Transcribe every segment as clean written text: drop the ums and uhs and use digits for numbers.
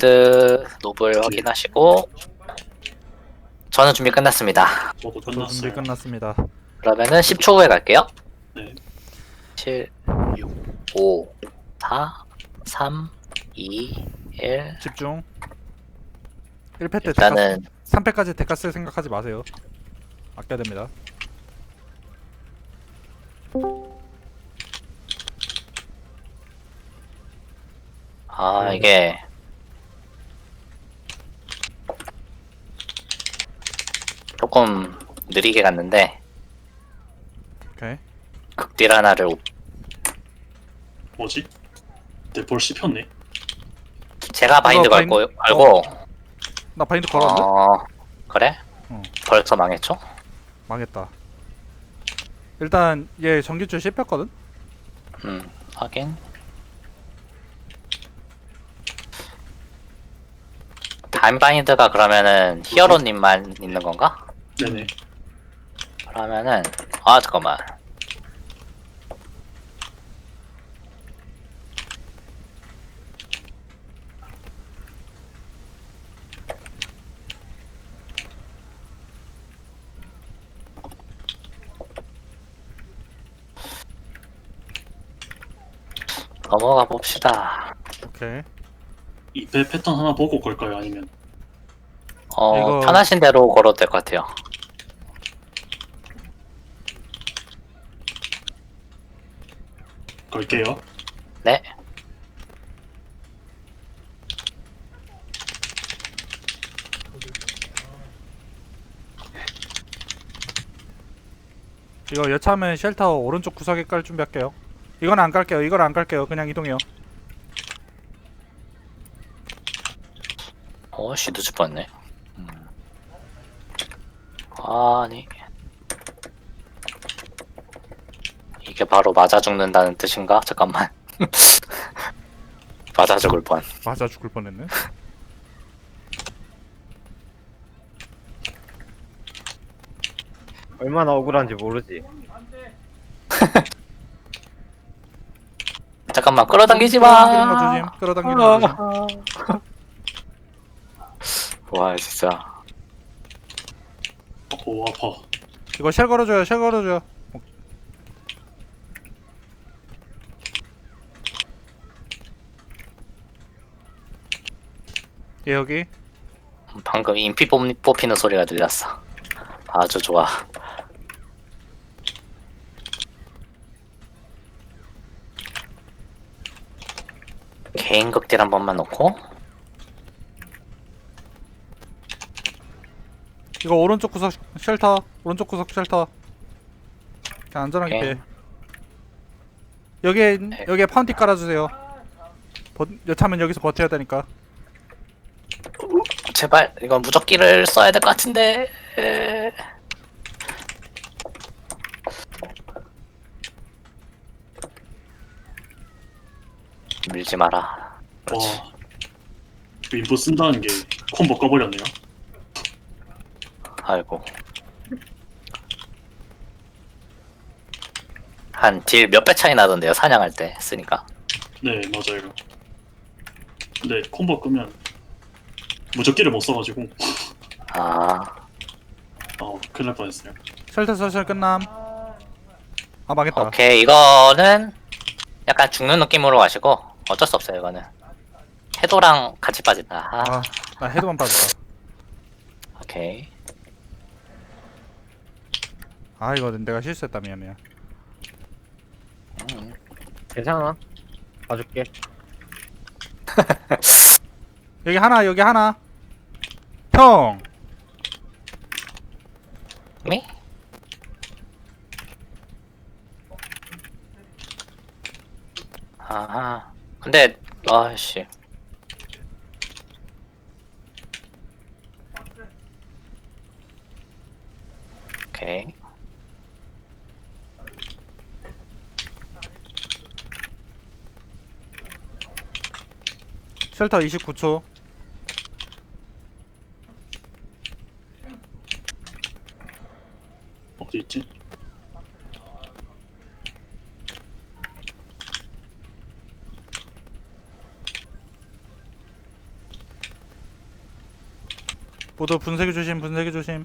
바인드 노블 확인하시고 저는 준비 끝났습니다. 저도 저도 준비 끝났어요. 끝났습니다. 그러면은 10초 후에 갈게요. 네. 7, 6, 5, 4, 3, 2, 1. 집중. 1패 때 데카, 일단은 3패까지 데카 쓸 생각하지 마세요. 아껴야 됩니다. 이게 조금 느리게 갔는데 오케이. 극딜 하나를 뭐지? 내볼 씹혔네. 제가 바인드 이거 걸고 나 바인드 걸었는데? 그래? 어. 벌써 망했죠? 망했다. 일단 얘 전기줄 씹혔거든? 확인. 다음 바인드가 그러면은 히어로님만 있는 건가? 네네. 그러면은 잠깐만. 넘어가 봅시다. 오케이. 2패 패턴 하나 보고 걸까요? 아니면 이거- 편하신 대로 걸어도 될 것 같아요. 걸게요. 네. 이거 여차하면 쉘터 오른쪽 구석에 깔 준비할게요. 이건 안 깔게요. 이걸 안 깔게요. 그냥 이동해요. 씨, 늦을 뻔했네. 아니. 이게 바로 맞아 죽는다는 뜻인가? 잠깐만. 맞아 죽을 뻔. 맞아 죽을 뻔했네. 얼마나 억울한지 모르지. 잠깐만, 끌어당기지 끌어당기는 거 마! 조심. 끌어당기는 거 조심. 와, 진짜. 오 아파. 이거 쉘 걸어줘요. 쉘 걸어줘요. 얘 여기. 방금 인피 뽑히는 소리가 들렸어. 아주 좋아. 개인 극딜 한 번만 넣고. 이거 오른쪽 구석 쉘터. 오른쪽 구석 쉘터. 그냥 안전하게 오케이. 피해. 여기에 파운티 깔아주세요. 여차하면 여기서 버텨야 되니까. 제발, 이건 무적기를 써야 될 것 같은데. 밀지 마라. 그렇지. 와. 윈부 쓴다는 게 콤보 꺼버렸네요. 아이고. 한 딜 몇 배 차이 나던데요, 사냥할 때 쓰니까. 네 맞아요. 근데 콤보 끄면 무적기를 못 써가지고 큰일 날 뻔했어요. 쉘터 설설 끝남. 아 망했다. 오케이, 이거는 약간 죽는 느낌으로 가시고 어쩔 수 없어요, 이거는. 해도랑 같이 빠진다. 나 헤드만 빠졌다. 오케이. 아 이거 내가 실수했다. 미안해. 괜찮아. 봐줄게. 여기 하나 여기 하나. 형. 미? 아하. 근데 아씨. 오케이. 쉘터 29초. 어디 있지? 모두 분쇄기 조심, 분쇄기 조심.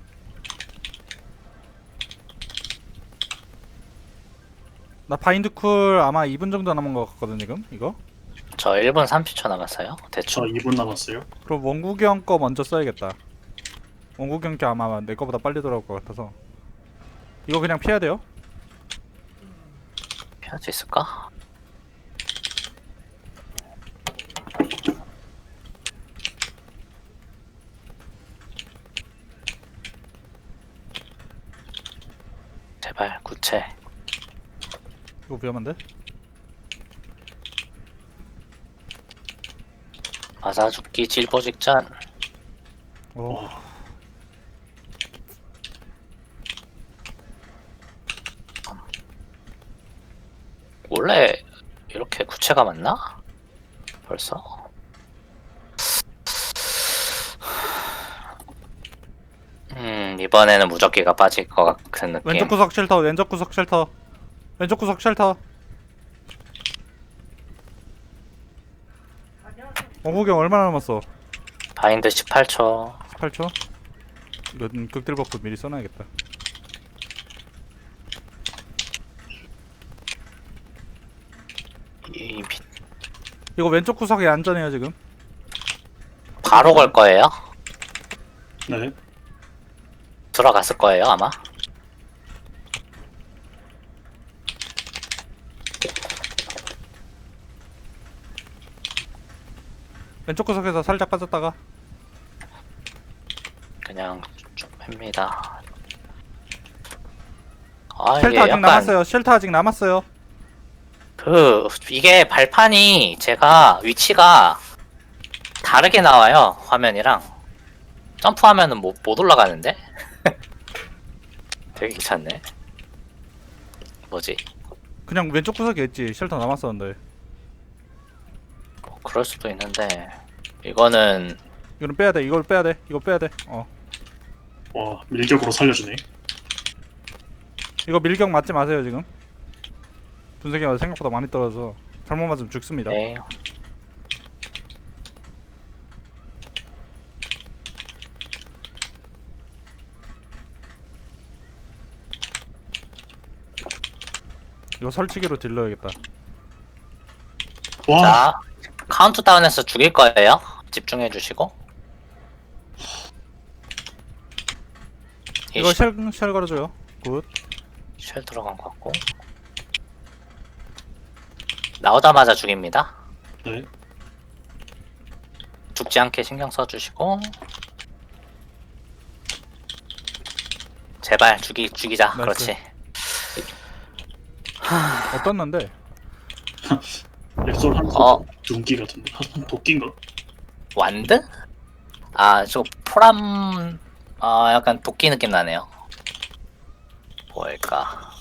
나 바인드 쿨 아마 2분 정도 남은 것 같거든 지금 이거. 저 1분 30초 남았어요. 저 대충. 2분 남았어요. 그럼 원구경 거 먼저 써야겠다. 원구경 게 아마 내 거보다 빨리 돌아올 것 같아서 이거 그냥 피해야 돼요. 피할 수 있을까? 제발 구체. 이거 위험한데? 맞아 죽기 질보 직전. 어. 원래 이렇게 구체가 맞나? 벌써? 이번에는 무적기가 빠질 것 같은 느낌. 왼쪽 구석 쉘터, 왼쪽 구석 쉘터, 왼쪽 구석 쉘터. 원구경 얼마나 남았어? 바인드 18초. 18초? 이건 극딜 버프 미리 써놔야겠다. 이거 왼쪽 구석에 안전해요 지금. 바로 걸 거예요? 네. 들어갔을 거예요 아마. 왼쪽 구석에서 살짝 빠졌다가 그냥 좀 팹니다. 아 쉘터 이게 아직 약간 남았어요. 쉘터 아직 남았어요. 이게 발판이 제가 위치가 다르게 나와요 화면이랑. 점프하면은 못 올라가는데? 되게 귀찮네. 뭐지? 그냥 왼쪽 구석에 있지. 쉘터 남았었는데. 뭐 그럴 수도 있는데 이거는 이거는 빼야 돼. 이걸 빼야 돼. 이거 빼야 돼. 와, 밀격으로 살려주네. 이거 밀격 맞지 마세요 지금. 분쇄기가 생각보다 많이 떨어져서 잘못 맞으면 죽습니다. 네. 이거 설치기로 딜러야겠다. 와, 자 카운트다운해서 죽일 거예요. 집중해 주시고. 이거 쉘 걸어줘요. 굿. 쉘 들어간 것 같고 나오자마자 죽입니다. 네. 죽지 않게 신경 써주시고 제발 죽이자. 나이스. 그렇지. 어떻는데? 렉솔 한 어. 둔기 같은데. 한 도끼인가? 완드? 아 저 포람 약간 도끼 느낌 나네요. 뭘까?